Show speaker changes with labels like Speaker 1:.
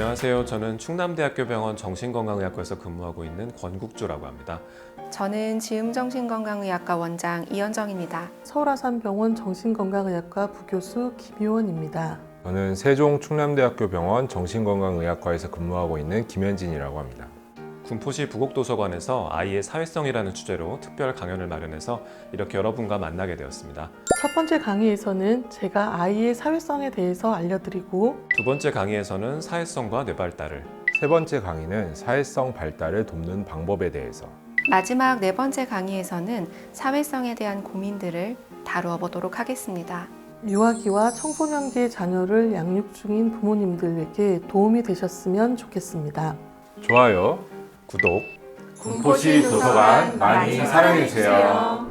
Speaker 1: 안녕하세요. 저는 충남대학교 병원 정신건강의학과에서 근무하고 있는 권국주라고 합니다.
Speaker 2: 저는 지음정신건강의학과 원장 이현정입니다.
Speaker 3: 서울아산병원 정신건강의학과 부교수 김효원입니다.
Speaker 4: 저는 세종 충남대학교 병원 정신건강의학과에서 근무하고 있는 김현진이라고 합니다.
Speaker 1: 군포시 부곡도서관에서 아이의 사회성이라는 주제로 특별 강연을 마련해서 이렇게 여러분과 만나게 되었습니다.
Speaker 3: 첫 번째 강의에서는 제가 아이의 사회성에 대해서 알려드리고
Speaker 1: 두 번째 강의에서는 사회성과 뇌발달을,
Speaker 4: 세 번째 강의는 사회성 발달을 돕는 방법에 대해서,
Speaker 2: 마지막 네 번째 강의에서는 사회성에 대한 고민들을 다루어 보도록 하겠습니다.
Speaker 3: 유아기와 청소년기의 자녀를 양육 중인 부모님들에게 도움이 되셨으면 좋겠습니다.
Speaker 4: 좋아요,
Speaker 1: 구독,
Speaker 4: 군포시 도서관 많이 사랑해주세요.